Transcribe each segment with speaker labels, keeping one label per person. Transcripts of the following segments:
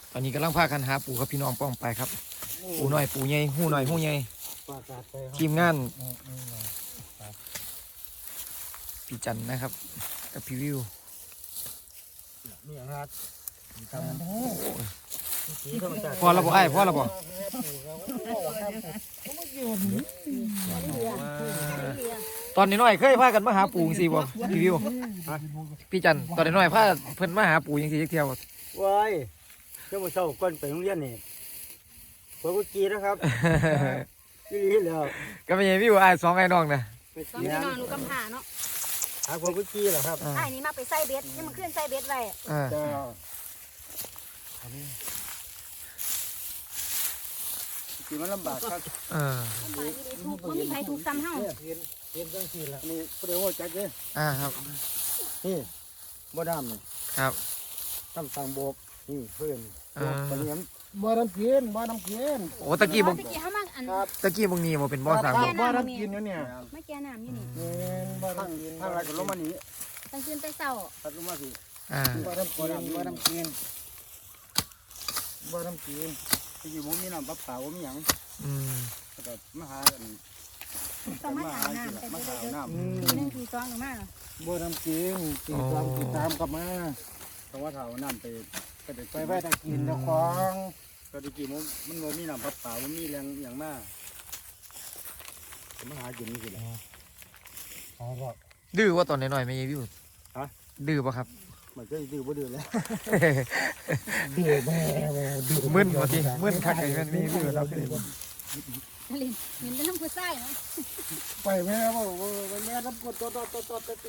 Speaker 1: ตอนนี้กำลังพากันหาปูครับพี่น้องป้องไปครับปูหน่อยปูใหญ่หูหน่อยหูใหญ่ทีมงานพี่จันนะครับกับพี่วิวพอแล้วบ่ไอ้พอแล้วบ่ตอนนี้น้อยเคยพากันมาหาปูสิบ่พี่วิวพี่จันตอนนี้น้อยพาเพิ่นมาหาปูยังสิจักเที่ยว
Speaker 2: ว้ายเจ้าบ่เช้าก่อนไปโรงเรียนนี่พวกกี้นะครับยี่ลีแล้ว
Speaker 1: ก็ไม่ใช่วิวไอ้สองไอ้น้องนะ
Speaker 3: สองพี่น้องลูกกำพร้าเนาะ
Speaker 2: หาพวกกี้เหรอครับ
Speaker 3: ไอ้นี่มาไปใส่เบ็ดนี่มันขึ้นใส่เบ็ดไว้
Speaker 2: ที่มันลำบากครับ
Speaker 3: มันมีใครถูกซ้ำเฮา
Speaker 2: เห็นจังซี่ล่ะนี่เดี๋ยวว่าจักเด้
Speaker 1: ครับ
Speaker 2: นี่บ่ดำนี่
Speaker 1: ครับ
Speaker 2: ตั้งตังโบกนี่เพื่อนตะเนียมบ่น้ำกิน
Speaker 1: โอ้ตะกี้บ่
Speaker 3: เฮามาอัน
Speaker 1: ตะกี้บ่นี่บ่เป็นบ่อสร้าง
Speaker 2: บ่น้ำกินอยู่เนี่ย
Speaker 3: ไม่แก่น้ำอยู่นี่
Speaker 2: บ่น้ำกินทางไรก็ลงมานี่
Speaker 3: ตั้งคืนไปเช้า
Speaker 2: ตัดลงมาสิบ่น้ำกินที่อยู่บ่มีน้ำปลาเปล่าบ่มีหยังก็มาหา
Speaker 3: ต้องมาหาน้ำ
Speaker 2: มาหาน้ำ
Speaker 3: 1 2 2มา
Speaker 2: บ่น้ำกินตีตามกลับมาต้องว่าเฒ่าน้ำไปไว้ตะกินเจ้าของก็ตะกี้มันบ่มีน้ำปลาเปล่าบ่มีแรงหยังมามาหากินนี่สิล่ะ
Speaker 1: ดื้อว่าตอนน้อยๆไม่วิวดื้อป่ะครับ
Speaker 2: มันก็ดื้อบ่ดื้อแล้ว
Speaker 1: ดื้อแม่มึนว่าทีมึนคักไอ้แม่มีวิวเราคือ
Speaker 3: ลินเห็นเป็นน้ำผู้ชายเนาะ
Speaker 2: ไปแม่บ่แม่น้ำกดตัวมาเ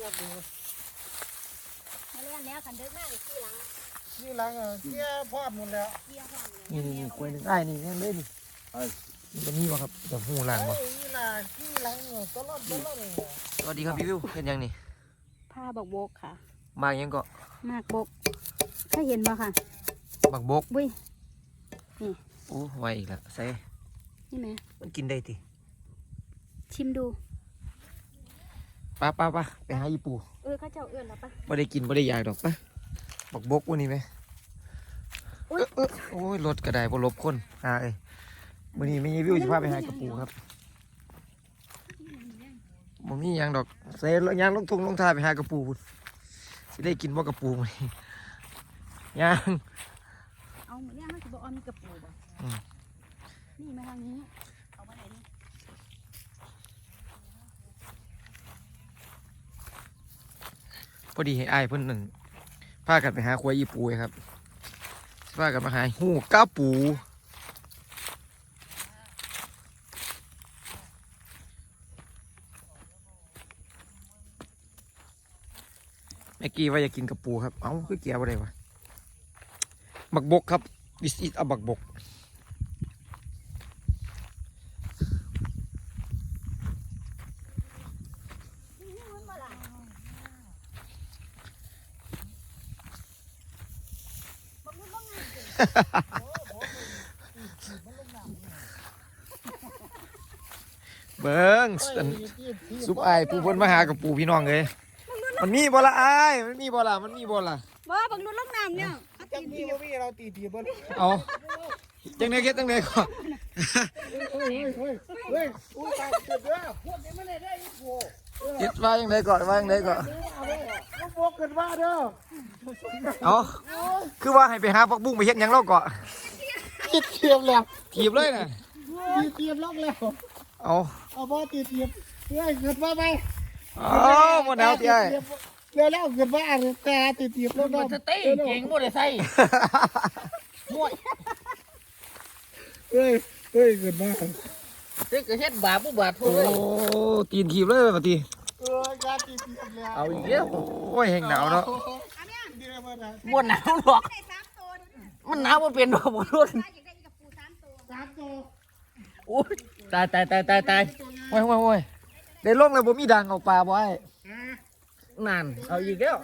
Speaker 3: ล่นแล้วคันเดินมา
Speaker 2: ที่หลังเกี้ยพร้อมหมดแล้ว
Speaker 1: นี่กล้วยนึงไอ้นี่นั่นเลยนี่มันมีป่ะครับจะหูหลังป่ะ
Speaker 2: ที่หลังตลอด
Speaker 1: สวัสดีครับพี่วิวเห็นยังนี่
Speaker 3: ผ้าบักบกค่ะ
Speaker 1: มากยังก็
Speaker 3: มากบกถ้าเห็นบ่ค่ะ
Speaker 1: บักบก
Speaker 3: บุ้ยนี่
Speaker 1: โอ้ไวอีกแล้วใส่
Speaker 3: นี่ไหม
Speaker 1: มันกินได้ติ
Speaker 3: ชิมดู
Speaker 1: ป้าไปหาอีปู
Speaker 3: เขาเจ้าเอื้อนแล้วปะ
Speaker 1: ไม่ได้กินไม่ได้อยากดอกปะบักบกวันนี้ไหมโอ้ยรถกระไดบ่ลบคนวันนี้ไม่มีวิวจะพาไปหากระปูครับมันมีอย่างดอกใส่ยางลงทุ่งลงทาไปหากระปูสิได้กินบ่กระปูมั้ยยาง
Speaker 3: เอาเหมือนเนี่ยมันจะบอกมีกระปูบ่นี่มาทางนี้เอามาไหนนี่
Speaker 1: พอดีให้อ้ายเพิ่นหนึ่งพากันไปหาควายอีปูครับพากันมาหาหูก้าปูเมื่อกี้ว่าอยากกินกระปูครับเอ้าคือเกี่ยวอะไรวะบักบกครับ this is a บักบกเบิ้งซุปไอปูเพิ่นมาหากับปูพี่น้องเลยมันมีบ่ละไอมันมีบ่ละบ่
Speaker 3: บังนุ่นลงน้ำเนี่ย
Speaker 2: จังมีบ่มีเราตีบ่
Speaker 1: เอาจังได๋เฮ็ดจังได๋ก่อน
Speaker 2: เฮ้ยอู้ตายเกิดเด้อพวกนี้มันได้อีโห
Speaker 1: คิดว่าจังได๋ก่อน
Speaker 2: บอกกันว่าเด้อ
Speaker 1: เอาคือว่าให้ไปหาผักบุ้งไปเฮ็ดหยังเราเกาะ
Speaker 2: เทียบแล้ว
Speaker 1: ถีบเลยน่ะ
Speaker 2: เทียบล็อกแล้ว
Speaker 1: เอา
Speaker 2: บ่ตีเทียบเฮ้ยเกิดว่าไป
Speaker 1: บ่หนาวติไอ้
Speaker 2: เดี๋ยวแล้วเกิดว่าแต่ตีเทียบแล้วเนาะ
Speaker 4: สติเก่งบ่ได้ใส่ห่วย
Speaker 2: เฮ้ยเกิดว่า
Speaker 4: ตึกก็เฮ็ดบาปบ่บาปโอ้
Speaker 1: ตีนถีบเลยบัดนี้
Speaker 2: ยาตีเทียบแล้ว
Speaker 4: เอาอีกแล้ว
Speaker 1: โอ้ยแห้งหนาวเนาะ
Speaker 4: บ่หนาวหรอกมันหนาวบ่เป็นดอกบ่รุ่น
Speaker 2: 3 ตัว
Speaker 4: โอ้ยตาย
Speaker 1: โอ้ยได้ลงแล้วบ่มีดังเอาปลาบ่ไอ้
Speaker 4: นั่นเอาอีกแล้ว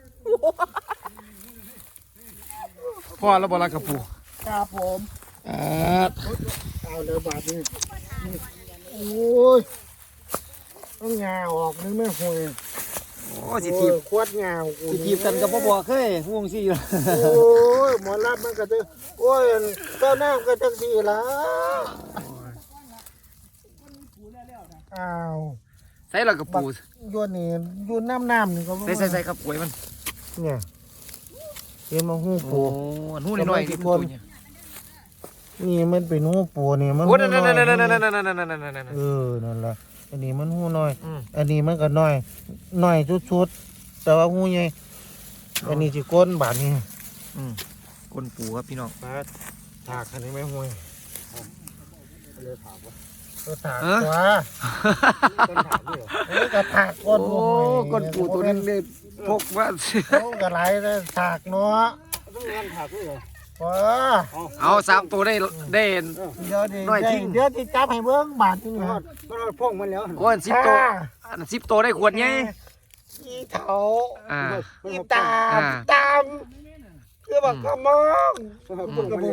Speaker 1: พ่อแล้วบ่ละกระปู
Speaker 2: ครับผมเอาเลยบาดนี้โอ้ยต้องงาออกนึกไม่ห่วย
Speaker 1: โอ้สิทีบ
Speaker 2: ขวดเงา
Speaker 1: สิทีบกันกับบ่บอกเคยห่วงสิ
Speaker 2: โอ้ยหมอรับมันก็จะโอ้ยเจ้าน้ำก็จังสี่ละอ้าว
Speaker 1: ใส่แล้วก็ปู
Speaker 2: โยนนี่โยนน้ำนี่ก็
Speaker 1: ใส่ครับกล้วยมัน
Speaker 2: เนี่ยเห็นมาหู
Speaker 1: โอ้
Speaker 2: ปู
Speaker 1: อันหูน้อยๆนี่ตัวเนี่ย
Speaker 2: นี่มันเป็นหูปูนี่มัน
Speaker 1: โอ้
Speaker 2: หู
Speaker 1: นั่น
Speaker 2: น้อย
Speaker 1: ๆๆๆๆๆๆ
Speaker 2: นั่นแหละอันนี้มันหูน้อย
Speaker 1: อืม
Speaker 2: อันนี้มันก็น้อยน้อยชุดๆแต่ว่าหูใหญ่อันนี้สิก้นบาดนี่
Speaker 1: อืมก้นปูครับพี่น้อง
Speaker 2: ถากอันนี้ไม่ห่วยเลยถากว่าถาก
Speaker 1: เออ
Speaker 2: ว่าต้นถากด้วยเอ้ยก็ถากก้น
Speaker 1: โอ้ก้นปูตัวนึงได้พกว่า
Speaker 2: โอ้ก็ไหลเลยถากเนาะต้องการถากด้วยเหรอ
Speaker 1: เอา3ตัวได้
Speaker 2: เดี๋ยวดิ
Speaker 1: น้อยทิ้ง
Speaker 2: เดี๋ยวที่จับให้เบิ้งบาทนี่นะมันพ่องมันแล้ว
Speaker 1: โอ้อัน10ตัวอัน10ตัวได้ขวดใหญ่
Speaker 2: อีเถา
Speaker 1: อ่า
Speaker 2: อีตาม
Speaker 1: อ่า
Speaker 2: ตามคือบอกกระมองกระมอง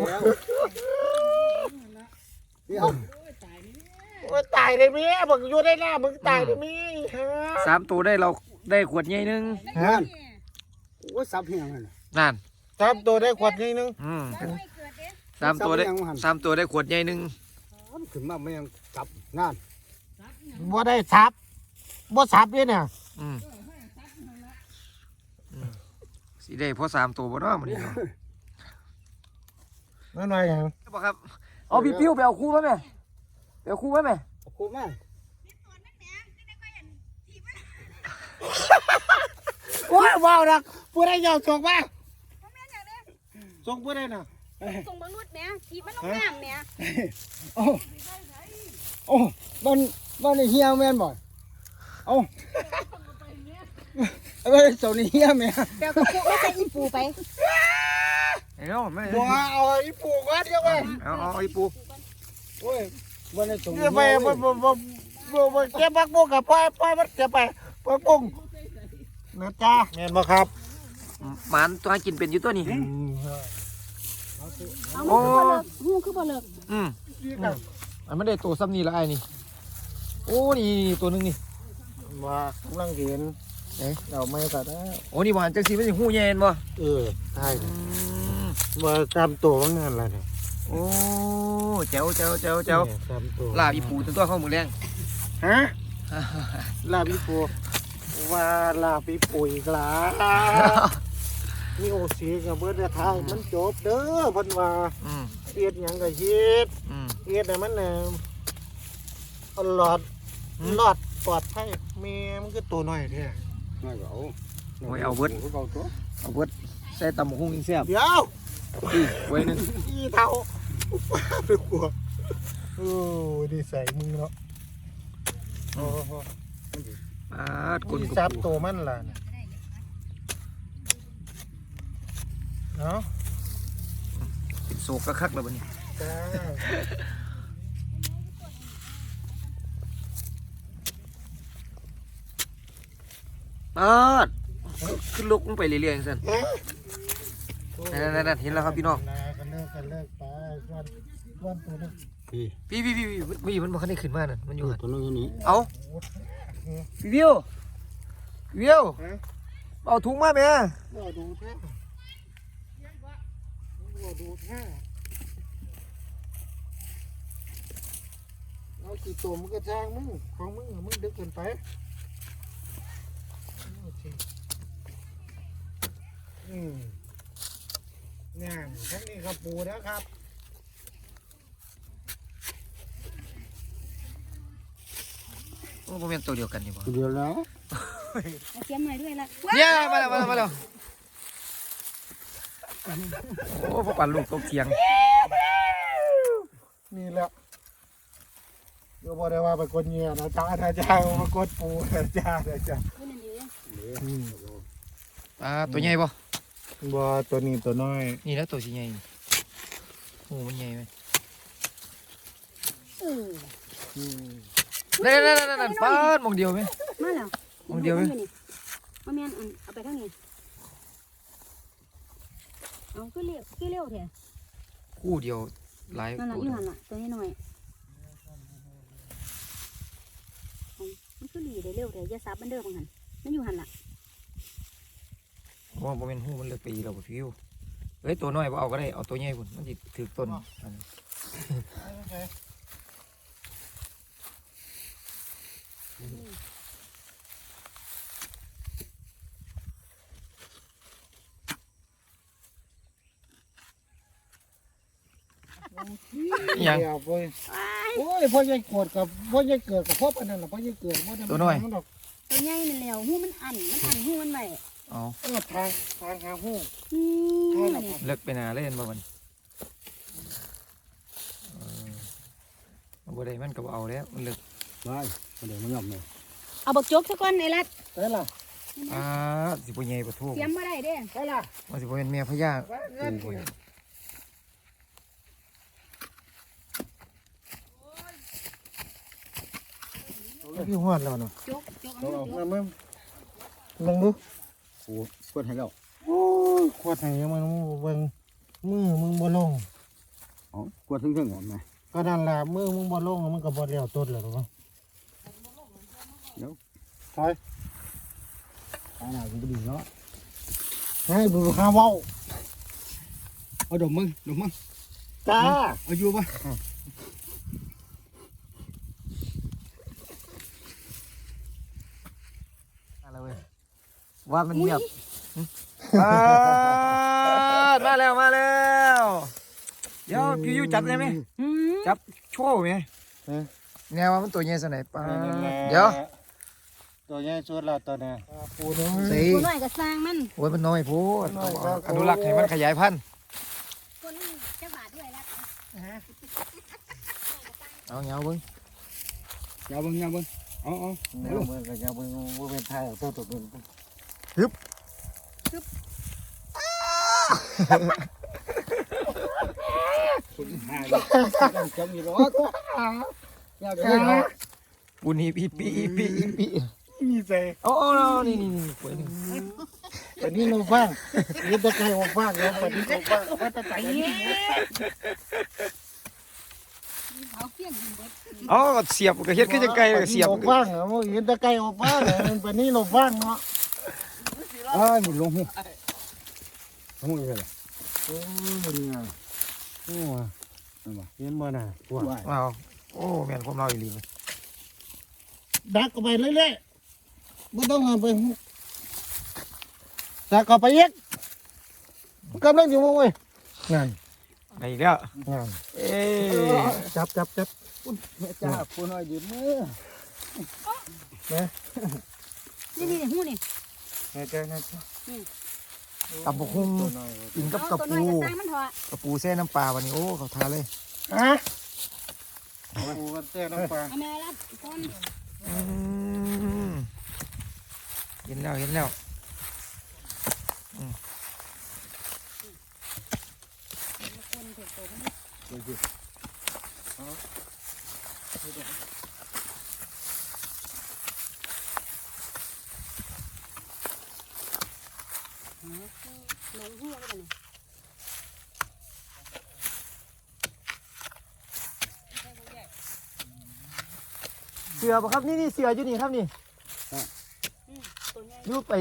Speaker 2: ว่าตายเลยมั้ยบอกอยู่ได้หน้ามึงตายเลยมั้ยฮะ
Speaker 1: 3ตัวได้เราได้ขวดใหญ่นึง
Speaker 2: ฮะ
Speaker 5: ว่าซับเพียงนั่น
Speaker 1: นั่น
Speaker 2: จับตัวได้ขวดนิดนึง
Speaker 1: 3ตัวได้3ตัวได้ขวดใหญ่นึง
Speaker 5: ขึ้นมาไม่ยังจับงาน
Speaker 2: บ่ได้ซับบ่ซับเลยเนี่ย
Speaker 1: อืมสิได้พอ3ตัวบ่เนาะมื้อนี้เนาะ
Speaker 2: น้อยๆอย่าง
Speaker 1: บ่ครับเอาพี่ปิ้วไปเอาคู่มาแม่ไปเอาคู่มาแม่
Speaker 5: ครูแม่
Speaker 2: โอ้ยว้าวนะผู้ใดยอมส่งมาส่งผู้ใดน่ะ
Speaker 3: ส่งบางนุษย์แหม่ทีมันต้องงามแหม่
Speaker 5: โอ้บ้านในเฮียแม่นบ่เอาเอาไปส่งในเฮียแม่
Speaker 3: เดี๋ยวก็ปูไม่ใช่อีปูไป
Speaker 1: ไอ้เนาะแม่
Speaker 2: บัวเอาอีปูก่อนเดี๋ยวไป
Speaker 1: เอาไอ้ปู
Speaker 5: โอ้ยบ้านในส่ง
Speaker 2: เดี๋ยวไปบ่เก็บผักบุ้งกับปล่อยมันเก็บไปผักบุ้งนะจ้าแม่นบ่ครับ
Speaker 1: หมันตัวให้กินเป็นอยู่ตัวนี้
Speaker 3: เอา
Speaker 1: โอ้
Speaker 3: หูคือบ่เลิก
Speaker 1: อืมอันไม่ได้ตัวซ้ำนี่ละไอ้นี่โอ้นี่ตัวหนึงนี่
Speaker 2: ว่ากำลังเห็นเราไม่ก็ได้
Speaker 1: โอ้นี่หวานจังสีมันสิหูแยนบ่
Speaker 2: ใช่ว่าตามตัวมันนั่นแหละเนี่ย
Speaker 1: โอ้แจ๋ว
Speaker 2: ตามตัว
Speaker 1: ลาบอีปูตัวเข้ามือแรง
Speaker 2: ฮะลาบิปูว่าลาบิปูอีกแล้ว มีโอซีกับเบิร์ดทางมันจบเด้อเพันว่า
Speaker 1: อืม
Speaker 2: เฮ็ดหยังก็เฮ็ด
Speaker 1: อืม
Speaker 2: เฮ็ดให้มันหลอดปลอดภัยแม่มันคือตัวน้อยแท้
Speaker 5: ไม่ก็เอา
Speaker 1: โอ้ยเอาเบิด
Speaker 5: เอาตัว
Speaker 1: เอาเบิดใส่ตำบักหุ่งอีกแซ่บ
Speaker 2: เดี๋ยว
Speaker 1: อีกไว้หนึง
Speaker 2: อีเท่าไปกลัวโอ้ดีใส่มือเนาะโอ้โห
Speaker 1: ปาดกุน
Speaker 2: นี่
Speaker 1: กุ
Speaker 2: จับ
Speaker 1: ปู
Speaker 2: ตัวมันล่ะเนี่ยเนาะ
Speaker 1: เป็นโศกกระคักแล้วบัดนี้
Speaker 2: จ้า
Speaker 1: ปาดขึ้นลุกลงไปเรื่อยๆจังซั่นนั่นๆๆเห็นแล้วครับพี่น้อง
Speaker 2: กันเลิกไปวันตัวนึง
Speaker 5: พี่
Speaker 1: พี่มันบ่คันได้ขึ้นมานั่นมันอยู่หั่น
Speaker 5: ตัวนึงอยู่นี่
Speaker 1: เอาพี่วิวเอาถุงมาแม่
Speaker 2: ว่าดูแท้เอากี่ตัวมันก็จ้างมึงของมึงดึกเกินไปนี่ทั้งนี้ครับปูนะครับ
Speaker 1: โอ้บ่แม่นตัวเดียวกันนี่บ่
Speaker 5: เดียวแล้ว
Speaker 3: เอาเสียมใหม่ด้วยละ
Speaker 1: เนี่ยมาแล้วโอ้พ่อปั่นลูกตกเถียง
Speaker 2: นี่แหละเดี๋ยวบอกได้ว่าไปกดเงียนะจ้ามากดปูนะจ้า
Speaker 3: นี่นั่นดี
Speaker 1: ตัวใหญ่บ่
Speaker 2: บ่ตัวนี้ตัวน้อย
Speaker 1: นี่แล้วตัวสิใหญ่โอ้มันใหญ่ไหมนั่นปาดมองเดียวไหม
Speaker 3: มาแล้ว
Speaker 1: มองเดียวไหม
Speaker 3: มาแม่นเอาไปทางนี้เอาคือเร็วแท้
Speaker 1: คู่เดียวหลาย
Speaker 3: นั่นล่ะ
Speaker 1: ตัว
Speaker 3: อยู่หั่นล่ะตัวนี้หน่อยมันคือหลีได้เร็วแท้อย่าซับมันเด้อบังหั่นมันอยู่หั่นล่ะ
Speaker 1: ว่าบ่เป็นหูมันเลือกไปอีเราบ่พิวเอ้ยตัวน้อยบ่เอาก็ได้เอาตัวใหญ่พุ่นมันสิถือต้นอันนั้นอิหยัง
Speaker 2: เดี๋ยวไปโอ้ยพ่อใหญ่เกิดกับพ่อใหญ่เกิดกับพ่อปานนั้นล่ะพ่อใหญ่เกิดบ่ได้
Speaker 1: ตัวน้อย
Speaker 2: มันดอก
Speaker 3: ตัวใหญ่นั่นแล้วหูมันอันหูมันไว้
Speaker 1: เอา
Speaker 2: ทางหาหู้
Speaker 3: อืมนี่
Speaker 1: เลิกไปหนาเล่นบ่มันบ่ได้มันก็บ่เอาแล้วมันเลิก
Speaker 5: ได้เดี๋ยวมันยอมเลย
Speaker 3: เอาบักจกซะก่อนไอ้รัด
Speaker 2: ได้ล่ะ
Speaker 1: สิบ่ใหญ่บ่ทูก
Speaker 3: เตรียมมาได้เด้
Speaker 2: ได้ล่ะ
Speaker 1: มันสิบ่เป็นแม่พญา
Speaker 2: เงิน
Speaker 1: ปูบ่พี่ฮอดแล้วเนาะ
Speaker 3: จกเอา
Speaker 2: เอา
Speaker 3: มาจก
Speaker 2: มาลองดู
Speaker 5: โอ้เพื่อนให้แล้ว
Speaker 2: โอ้ยขวดไหนมันเบิ่งมือมึงบ่ลง
Speaker 5: อ๋อขวดถึงๆก่อนไหม
Speaker 2: ก็นั่นล่ะมือมึงบ่ลงมันก็บ่แล้วต้นแล้วหรอกถอย
Speaker 5: ตาหน้ากูก็ดีเนาะ
Speaker 2: ให้ดูหาเว้า
Speaker 5: เอาดมมึง
Speaker 2: จ้า
Speaker 5: เอาอยู่ปะ
Speaker 1: อะไรเว้ยว่ามันเงียบมาแล้วมาแล้วเดี๋ยวพี่อยู่จับได้ไหม
Speaker 3: อืม
Speaker 1: จับโชว์ไหมแนวว่ามันตัวใหญ่สไหนปะเดี๋ยว
Speaker 2: ตัวใหญ่สุดแล้วตัวนี้ปูน้อย
Speaker 1: สิ
Speaker 3: ตัวน้อยก็สร้างมัน
Speaker 1: โอ้ยมันน้อยโพูดอนุรักษ์ให้มันขยายพันธุ์
Speaker 3: ตัวนี้จะบาทด้วยรัด
Speaker 1: เอาเงาเบิ้ง
Speaker 5: ยาวเบิ้งเอา
Speaker 2: เดี๋ยวมึงก็จะมึงบ่เป็นไทยเอาตัวเป็น
Speaker 5: คุณหายต้องจำอยู่หรอกอยากได้หรอ
Speaker 1: ปูนี่อีปีอีปีอีปี
Speaker 2: มีใจ
Speaker 1: โอ้นี่ป่วยหนึ่ง
Speaker 2: วันนี้เราฟังยินตะไคร้ออกฟังแล้ววันนี้เราฟังว่าตะไคร้
Speaker 3: เอาเพี้ยนกินเด็ด
Speaker 1: อ๋อเสียบก็เฮ็ดขึ้นจังไกลเสียบ
Speaker 2: ออกฟังเหรอยินตะไคร้ออกฟังวันนี้เราฟังเนาะ
Speaker 5: อ้าวหมุนลงหูหูอีกแล้ว
Speaker 2: โอ้เนี่ย
Speaker 5: โอ้ย
Speaker 2: เห็นบ่น่ะพวก
Speaker 1: เอาโอ้แม่นผมเราอีหลี
Speaker 2: ดักเข้าไปเรื่อยๆไม่ต้องเอาไปดักเข้าไปอีกกำลังอยู่เว้ยนั่น
Speaker 1: ไปอีกแล้ว
Speaker 2: นั่น
Speaker 1: เอ้
Speaker 2: จับ
Speaker 5: แม่จ้าผู้น้อยยืนมือ
Speaker 3: นี่หูนี่
Speaker 2: แน่ใจนะ
Speaker 1: ตับกหุ่งกินกับกระ
Speaker 3: ตัวน้อ
Speaker 1: ปู
Speaker 3: ยก็สร้างมันเถอะ
Speaker 1: กระปูแซ่น้ำปลาวันนี้โอ้เขาทาเลย
Speaker 2: ฮะปูกันเต้น้ำปลา
Speaker 3: เอาแม่รัดก่อน
Speaker 1: เห็นแล้ว
Speaker 3: คนเถิดโตมันหลงหัวกันเลย
Speaker 1: เสือป่ะครับนี่เสืออยู่นี่ครับนี่
Speaker 3: ตัวใหญ่
Speaker 1: ยูไป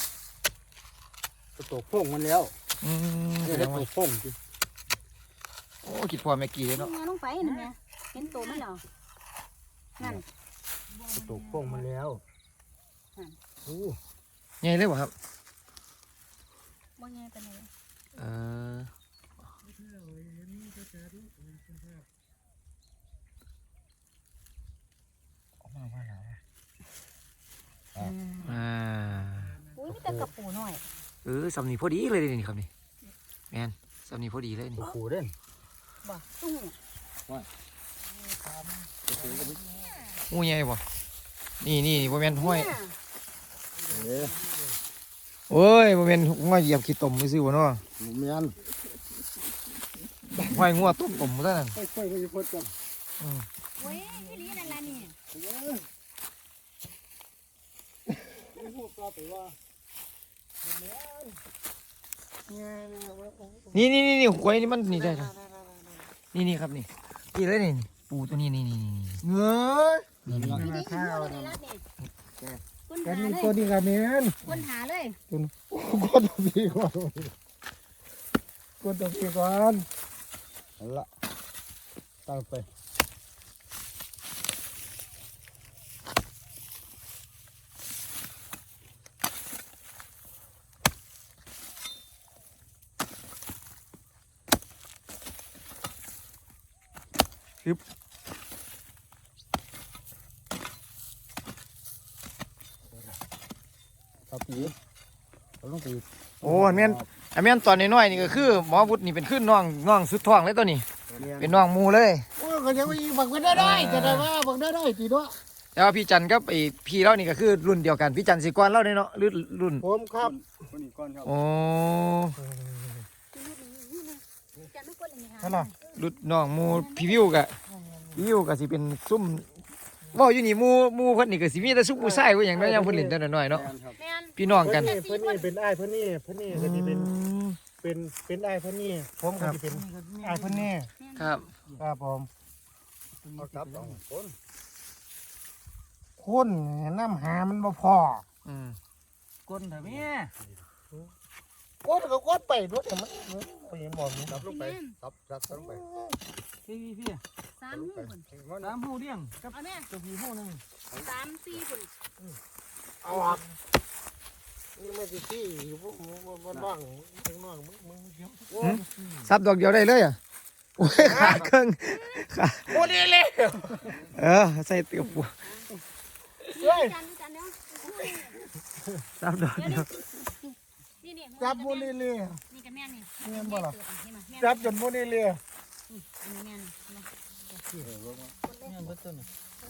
Speaker 5: ตัวโป่งมันแล้ว
Speaker 1: แส
Speaker 5: เรี
Speaker 1: ด
Speaker 5: ยก
Speaker 1: งว่า
Speaker 5: ตัวโป่งจิ
Speaker 1: โอ้คิดพอแม่กี่เลย
Speaker 3: ล
Speaker 1: เนาะ
Speaker 3: งมาลงไปนั่นไงเห็นตัวมันเหรอนั่น
Speaker 5: ตัวโป่งมันแล้วโอ้
Speaker 1: ใหญ่เลยป่ะครับ
Speaker 3: บ่ใหญ่ปานใด
Speaker 1: เออ
Speaker 3: อุ้ยมีแต่กระปูน้อย
Speaker 1: สำนีพอดีเลยนี่ครับนี่แมนสำนีพอดีเลยนี่
Speaker 5: โหเด่น
Speaker 3: บ่ตู้
Speaker 1: งูใหญ่ป่ะนี่บ่แมนห้อยโอ้ยบ่แมนห้อยเหยียบขี้ตมไม่ซื้อวะเนาะ
Speaker 5: เมียน
Speaker 1: ห้อยงัวต้มตมซะนั่น
Speaker 5: ค่อยๆไปพูดกัน
Speaker 3: เว้ยนี่ลีนั่นล่ะนี่
Speaker 5: พูดก็ไปว่า
Speaker 1: นี่หวยนี่มันนี่ได้ครับนี่ครับนี่เลยนี่ปูตัวนี้นี่
Speaker 2: เงย
Speaker 3: ตัวนี้
Speaker 2: ข้าว
Speaker 3: ตัวนี้รัดนี่ตัวค้น
Speaker 2: กั
Speaker 3: หาน
Speaker 2: นี่
Speaker 3: เล
Speaker 2: ตัวย นี้ก็แม่น
Speaker 3: ค้นหาเลย
Speaker 2: ตัวนี้กดตัวพี่ก่อนกดตัวพี่ก่อนเอาละตั้งไปครับพี่เอาลงไปอีก
Speaker 1: โอ้อันแม่นตอนน้อยๆนี่ก็คือหมอวุฒินี่เป็นขึ้นน้องสุดท้องเลยตัวนี้ เป็นน้องหมูเลย
Speaker 2: โอ้ยก็ยังไม่บักไม่ได้จะได้ว่าบักได้จีด้วย
Speaker 1: แต่ว่าพี่จันกับไอพี่เรานี่ก็คือรุ่นเดียวกันพี่จันสิก่อนเราเนี่ยเนาะรุ่น
Speaker 2: ผมครับ
Speaker 5: คนนี้ก่อนครับ
Speaker 1: โอ้
Speaker 3: จะไม่ค้นเลยไหมคะ
Speaker 2: นั่นล่ะ
Speaker 1: รุ่นน้องหมูพี่วิวก็สิเป็นซุ่มเว่าอยู่นี่หมูเพิ่นนี่ก็สิมีแต่ซุ่มผู้ชายผู้หยังเนาะยังเพิ่นเล่นแต่น้อยๆเนาะ
Speaker 3: แม่น
Speaker 1: พี่น้องกัน
Speaker 2: เพื่อนนี่เป็นอ้ายเพื่อนนี่ก็จะเป็นอ้ายเพื่อนนี่ผมก็จะเป็นอ้ายเพื่อนนี่
Speaker 1: ครับ
Speaker 2: ครับผม
Speaker 5: เอาจับสองคน
Speaker 2: คนน้ำหามันบ่พอ
Speaker 1: อืม
Speaker 4: ก้นเถอะแม่
Speaker 2: กดก็กดไปด้วยแต่มันไปเห็นบ่มี
Speaker 5: จับลงไปจับลงไป
Speaker 4: พี่
Speaker 3: 3 หูพุ่น
Speaker 4: น้ำหูเลี้ยงกับ
Speaker 3: เอาแม่
Speaker 4: กับพี่หูนึง
Speaker 3: 3 4พุ่น
Speaker 2: เอาออกนี่ไม่ติดที่อยู่พวกมึงบ้างถึงน้องมึงเดี๋ยว
Speaker 1: ซับดอกเดียวได้เลยอ่ะโอ้ยขาเครื่องขา
Speaker 2: โอ้ดีเลย
Speaker 1: ใส่เตียวปู
Speaker 3: จันเนาะ
Speaker 1: ซับดอกเดียว
Speaker 3: นี่
Speaker 2: จับโมนี่เลย
Speaker 3: นี่กับแม่นี่
Speaker 2: เงี้ยบ่ล่ะ
Speaker 3: แม่
Speaker 2: จับจนโมนี่เลย
Speaker 3: อันนี้แม่นี่
Speaker 4: เนี่ยเบิดต้น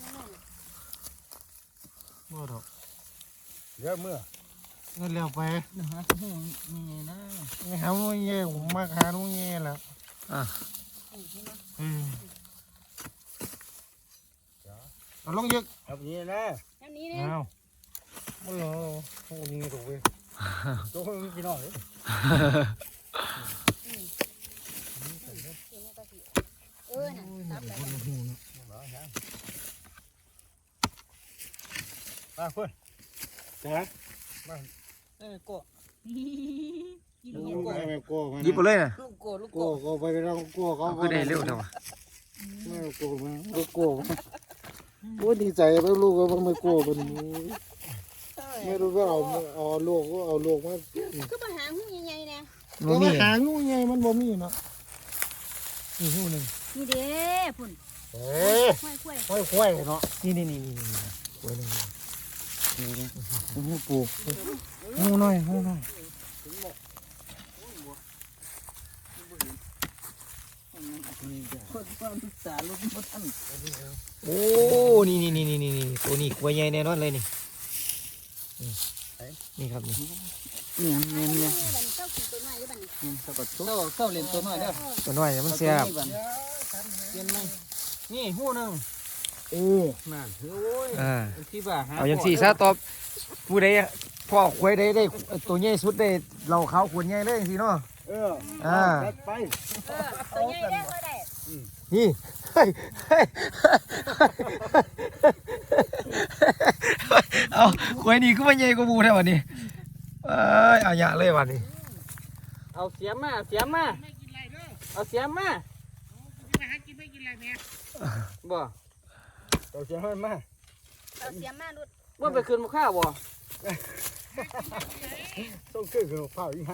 Speaker 2: บ่ดอก
Speaker 5: เดี๋ยวเมื่อ
Speaker 2: เงินแล้วไป
Speaker 4: นะฮะหูนี่นะ
Speaker 2: นี่หาโมเงี้ยผมมาหาโมเงี้ยแล้ว
Speaker 1: อ่ะ
Speaker 2: เอาลงยึก
Speaker 5: ครับนี่นะ
Speaker 3: อันนี้เนี่ย
Speaker 2: เอาโอ้โหโอ้นี่ถูกเว้ย
Speaker 5: ตัวคนกินหน่อย
Speaker 3: น่ะซับไป
Speaker 5: มาเพื่อน
Speaker 2: จ้า
Speaker 4: โก้
Speaker 3: กิน
Speaker 2: โอ้
Speaker 3: เนี่ย
Speaker 2: ยไม่กลัวมัน
Speaker 1: หยิบไปเลยนะ
Speaker 4: ลูกโก้ลูก
Speaker 2: กลั
Speaker 4: โก้
Speaker 2: วไปแล้วกลัวเขา
Speaker 1: คือได้เร็วเท่า
Speaker 2: ไม่กลัวมันกลัวมันโอ้ดีใจไม่รู้ว่ามันไม่กลัวมันไม่รู้ว่าเอาลูกก็เอาลูกมา
Speaker 3: คือปัญหาหูใหญ่ๆนะ
Speaker 1: บ่มี
Speaker 2: หางูไงมันบ่มีเนาะนี่หูนึง
Speaker 3: นี่เด้พุ่น
Speaker 2: เอ้ย
Speaker 3: ค่อย
Speaker 2: ค่อยๆเนาะ
Speaker 1: นี่โอ้ยนึง
Speaker 2: หูปูหูน้อยหูน้อย
Speaker 4: คนความศึกษาลูกบ่ทัน
Speaker 1: โอ้นี่ตัวนี้กล้วยใหญ่แน่นอนเลยนี่นี่ครับนี่
Speaker 4: เนี่ย
Speaker 3: เจ้าขี่ตัวน้อยหรือเปล่านี่
Speaker 4: สะกดเจ้าเล่นตัวน้อยเด้อ
Speaker 1: ตัวน้อยเนี่ยมันแซ่บ
Speaker 4: เปลี่ยนไหมนี่หูนึง นั่นโอ้ยที่ว่าหา
Speaker 1: เอาอย่างสี่ซะตอบผู้ใดพ่อควยได้ตัวใหญ่สุดได้เราเขาขวดใหญ่เลยอย่างสี่เนาะ
Speaker 5: จัดไป
Speaker 3: ตัวใหญ่ได้ก็ได้
Speaker 1: นี่เฮ้ยเอาควยนี่ก็ไม่ใหญ่กว่าหมูแท้วันนี้เอาหยาเลยวันนี้
Speaker 4: เอาเสียมาเอาเสียมา บ่
Speaker 5: เราจะให้มา
Speaker 3: เอาเสียมาลุด
Speaker 4: ว่าไปคืนมาข้าวบ่
Speaker 5: ต้องขึ้นกับข้าวอีกให้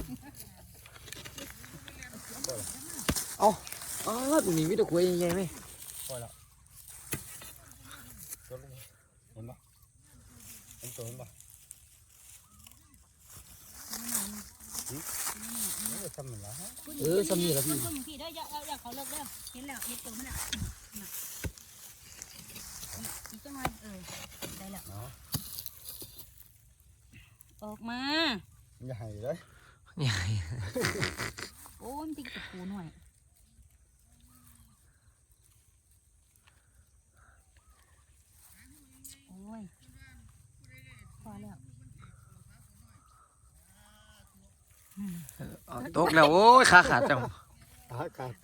Speaker 1: อ๋อตัวนี้มีแต่ควยใหญ่ไหม
Speaker 5: เห็นปะเห็นตัวเห็นปะนี่ทำเหมือนไรฮะ
Speaker 1: สำนีแล้วพี่
Speaker 3: พุ่นพี่ได้อย่าเขาเลิกเด้อเห็นแล้วเห็นตัวมันอ่ะอีกจังหน่อยได้แล้วออกมา
Speaker 5: ใหญ่เลย
Speaker 1: ใหญ่
Speaker 3: โอ้มันติดกับปูหน่อยโอ้ยพอแล้ว
Speaker 1: ตกแล้วโอ้ยขาขาดจัง
Speaker 5: อากาศ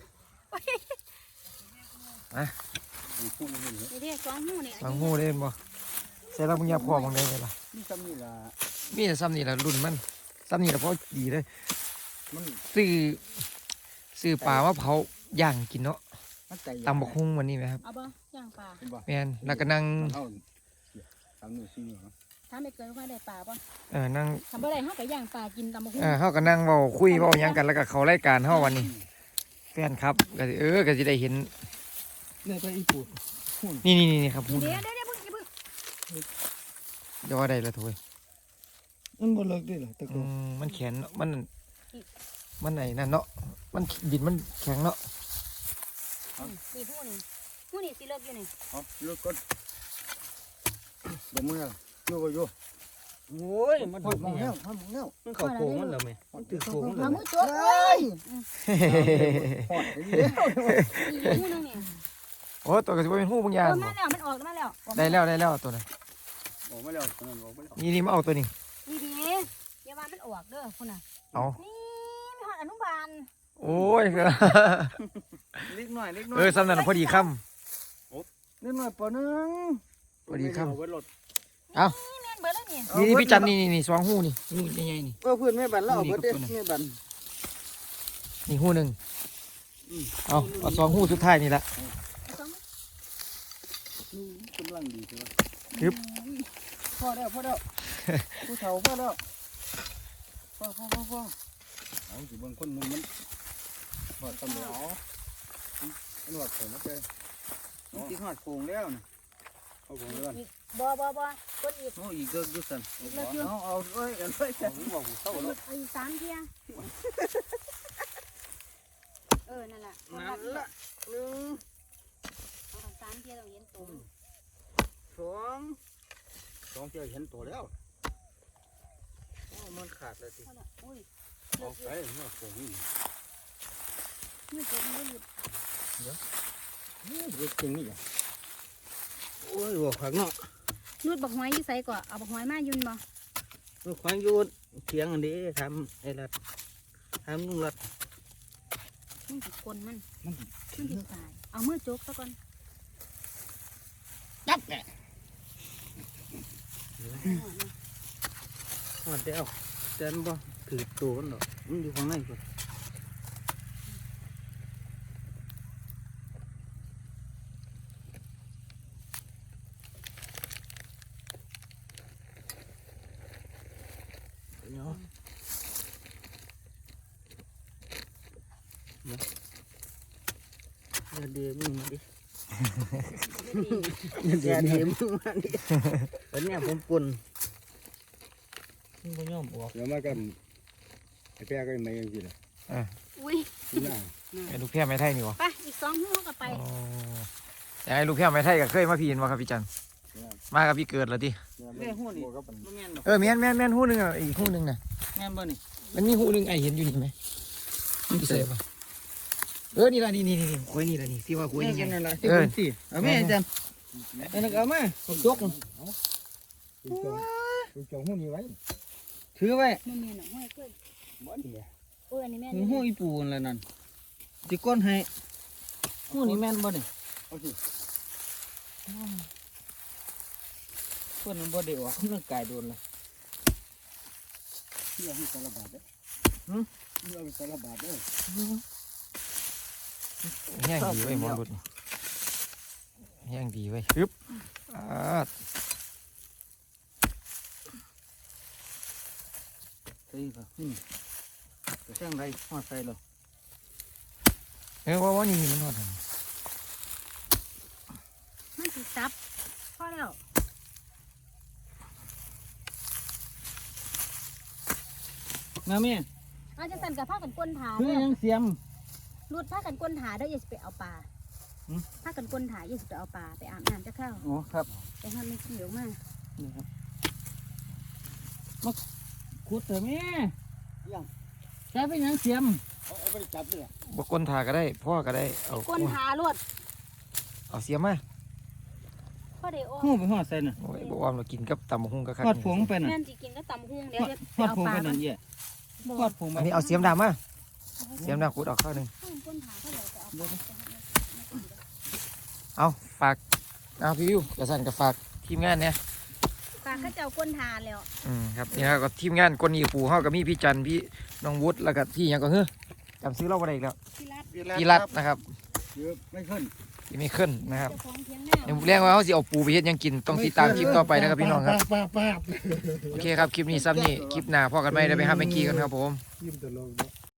Speaker 3: นี่เด้สองหูเนี่ย
Speaker 1: บางหูเล่นบ่
Speaker 3: น
Speaker 1: ใส่เรามึงอย่าพอมึงได้เลยล่ะ
Speaker 5: นี่ซ้ำนี่ล่ะ
Speaker 1: มีแต่ซ้ำนี่แหละรุ่นมันซ้ำนี่แหละเพราะดีเลย
Speaker 5: มัน
Speaker 1: ซื้อปลามาเผาย่างกินเนาะ
Speaker 5: มันใจ
Speaker 1: ตำบักฮุ่งวันนี้ไหมครับ
Speaker 3: เอาบ่ย่างปลา
Speaker 5: เป็นบ่
Speaker 1: แมนแล้วก็นั่ง
Speaker 5: เฮาซ้ำนี่ซี่เนาะ
Speaker 3: ถ้าไม่เกินว่าได้ปลาบ่
Speaker 1: นั่ง
Speaker 3: ทำบ่ได้เฮาก็ย่างปลากินตำบักหุ่ง
Speaker 1: เฮาก็นั่งเว้าคุยเว้าหยังกันแล้วก็เขารายการเฮาวันนี้แฟนครับก็สิก็สิได้เห็น
Speaker 5: เนี่ยไปอีปู
Speaker 1: นี่ครับพูด
Speaker 3: เดี๋ยวเพิ่ง
Speaker 1: เดี๋ยวว่าได้ละโถย
Speaker 5: มันบ่เลิกได้หรอตะโก
Speaker 1: มันแข็งเนาะมันไหนนั่นเนาะมันดินมันแข็งเนาะ
Speaker 3: นี่ผู้นี่สิเลิกอยู่นี่
Speaker 5: เอาเลิกก่อนบ่มืออยู่บ่อยู่
Speaker 4: โอ้ยมัน
Speaker 5: พอดมองแล้วพอดมองแล้ว
Speaker 4: มันเข้าโค้งมันแล้วแม่มันถือโค้งมันแล้
Speaker 3: เอา
Speaker 4: ว
Speaker 3: มือตัวเอ้ย
Speaker 5: พอดนี่
Speaker 3: อีผู้นึงนี่
Speaker 1: โอ้ตัวก็สิบ่เป็นหู้บางอย่าง
Speaker 3: มาแล้วมันออกมาแล้ว
Speaker 1: ได้แล้วตัวนั้น
Speaker 5: ออกมาแล้วตอนนั้นออกมาแล้ว
Speaker 1: นี่มาเอาตัวนี้
Speaker 3: ดีอย่าว่ามันออกเด้อพุ่นน่ะ
Speaker 1: เอา
Speaker 3: นี่มีหอดอนุบาล
Speaker 1: โอ้ย
Speaker 4: เล็กหน่อยเล็กหน่อ
Speaker 1: เอย อซ้ำนั่นนะพอดีค่
Speaker 5: นิดหน่อยปอนึง
Speaker 1: ำพอดีค่
Speaker 2: เอาไว้รถ
Speaker 3: นี่แม่นเบิดแล้วนี่
Speaker 1: ำนี่พี่จันนี่สองหูนี่ใหญ่ๆนี่
Speaker 5: เพื่อนแม่บันแล้วเอาเบิดเด้แม่บัน
Speaker 1: นี่หูหนึ่งเอาสองหูสุดท้ายนี่ละ
Speaker 5: กำลังดีใช่ไหม
Speaker 1: ฮึบ
Speaker 5: พอแล้วผู้เฒ่าพอแล้วพอเอาสิบางคนมันพอตำแล้วมันว่าผมไป
Speaker 4: มันสิฮอดโค้งแล้วนะ
Speaker 5: เอาผมเลย
Speaker 3: บ่คนอีก
Speaker 4: โอ้อีกเกิกอยู่สั่น
Speaker 3: เลิกอยู่
Speaker 4: เอาเอ้ยกันเอ้ย
Speaker 5: เอาผมบอกผมเศร้าแล้ว
Speaker 3: เอาอีก3เที่ยนั่นล่ะ
Speaker 4: นั่นละหนึ่ง
Speaker 3: เอา3เที่ยต้องเห็นตัว
Speaker 4: สอง
Speaker 5: สองเที่ยวเห็นตัวแล้ว
Speaker 4: โอ้มันขาดเลยสิ
Speaker 3: โอ้ย
Speaker 5: เอาไปเมื่อผมนี่
Speaker 3: มือตัวมันหลุด
Speaker 5: เด็กจริงนี่อ่ะ
Speaker 4: โอ้ยหัวขวางเนาะ
Speaker 3: หลุดบักหอยอยู่ไสก่อนเอาบักหอยมายุ่นบ่
Speaker 4: หัวขวางอยู่เถียงอันนี้ทำไอ้รัดทำลุงรัด
Speaker 3: มันสิกลมันสิตายเอามือจกซะก่อน
Speaker 5: จับแก
Speaker 4: หอดเดียวเดินบ่ถือตัวมันหรอกมันอยู่ข้างในก่อนเนาะอย่าเดือมึงมาดิอย่าเดือมึงมาดิตอนนี้ผมปุ่นมึงก็ย่อมออก
Speaker 5: เดี๋ยวมากันไอ้แป้ก็ไม่ยังกินเลย
Speaker 3: อุ้ย
Speaker 5: น่า
Speaker 1: ไอ้ลูกแพร่ไม้ไทยนี่วะ
Speaker 3: ไปอีก2หูก็ไป
Speaker 1: แต่ไอ้ลูกแพร่ไม้ไทยก็เคยมาพี่เห็นวะครับพี่จันมากับพี่เกิดแล้วดิ
Speaker 4: แม่หูนี่
Speaker 5: ก็เป็น
Speaker 4: บ่แม่นหรอก
Speaker 1: แม่นหูหนึ่งอ่ะอีกหูหนึ่งน่ะ
Speaker 4: แม่นบ่นี่
Speaker 1: มันมีหูหนึ่งไอเห็นอยู่นี่ไหมพี่เสพปะนี่ละนี่คุยนี่ละนี่ที่ว่าคุย
Speaker 4: แม่
Speaker 1: นี่
Speaker 4: กัน
Speaker 1: ไง
Speaker 4: นั่นล่ะที่เป็นสิเอาแม่จันอันนั้นก็เอามาผมยก
Speaker 5: ดูจงหูนี่ไว้
Speaker 4: ถือไว้
Speaker 3: มันมีหนังห้อยขึ้น
Speaker 5: บ่นี่
Speaker 3: อันนี้แม่
Speaker 4: มีหูอีปูนั่นแหละนั่นสิก้นให้หูนี่แม่นบ่นี่
Speaker 5: เอาสิ
Speaker 4: เพิ่นมันบ่ได้ออกกำลังกายโดนละ
Speaker 5: เที่ยวให้สารบาดเด้เที่ยวให้สารบาดเด้อ
Speaker 1: แห้งดีไว้หมอรุดนี่แห้งดีไว้ฮึบอ่า
Speaker 4: ใส่ก็จะแซงไรฮอดใส่แล้ว
Speaker 1: ว่านี่มันนอด
Speaker 3: มันสิซับพอแล้ว
Speaker 4: มาแม่
Speaker 3: อาจจะสั่นกับผ้ากันก้นถา
Speaker 4: คือ
Speaker 3: เด้อ
Speaker 4: ยังเสียม
Speaker 3: รูดผ้ากันก้นถาเด้ออย่าสิไปเอาปลา
Speaker 4: หืม
Speaker 3: ผ้ากันก้นถาอย่าสิไปเอาปลาไปอาบน้ำจะเข้า
Speaker 4: อ๋อครับ
Speaker 3: ไปห้ามมันขี้ออกมา
Speaker 4: นี่ครับมาขุดเถอะแม่ใช้เป็นยังเสียม
Speaker 5: เอาไปจับเลย
Speaker 1: บกก้นทาก็ได้พ่อก็ได้เอา
Speaker 3: ก้นถาลวด
Speaker 1: เอาเสียมา
Speaker 3: พ่อเดี๋ยว
Speaker 4: หูไปหอดใส่น่ะ
Speaker 1: โอ้ยบอกว่าเรากินกับตำบักหุ่งก็คัก
Speaker 4: หอดผงไปน่ะ
Speaker 3: แม่นสิกินก็ตำหุ่งเดี๋ยวจะ
Speaker 4: หอด
Speaker 3: เอา
Speaker 4: ผง
Speaker 3: ปลา
Speaker 4: ไปนั่นเย่หอดผงไป
Speaker 1: อันนี้เอาเสียมดำมาเสียมดำขุดออกข้าวหนึ่ง
Speaker 3: ก้นถาเขาเดี๋ยวจะเอาปลา
Speaker 1: เอาฝากเอาพี่วิวกระสันกับฝากทีมงานเนี่ย
Speaker 3: เขาเจ้าก้นทานแล้ว
Speaker 1: ครับนี่ครับก็ทีมงานคนอีปูเฮาก็มีพี่จันพี่น้องวุฒิแล้วก็พี่หยังก็เฮ้อจำซื้อเราบ่ได้อีกแล้ว
Speaker 3: พี่รัด
Speaker 1: พี่รัตนะครับ
Speaker 5: เยอะไม่ขึ้น
Speaker 1: ที่ไม่ขึ้นนะครับ
Speaker 3: เจ้าของเถียงห
Speaker 1: เดี๋ยว
Speaker 3: น้า
Speaker 1: เรียกว่าเขาสิเอาปูไปเฮ็ดหยังกินต้องติดตามคลิปต่อไปนะครับพี่น้องครับ
Speaker 2: ป้า
Speaker 1: โอเคครับคลิปนี้ซ้ำนี่คลิปหน้าพอกันไหมเดี๋ยวไปหาแมงกี้กันครับผม
Speaker 2: ยิ้มตลก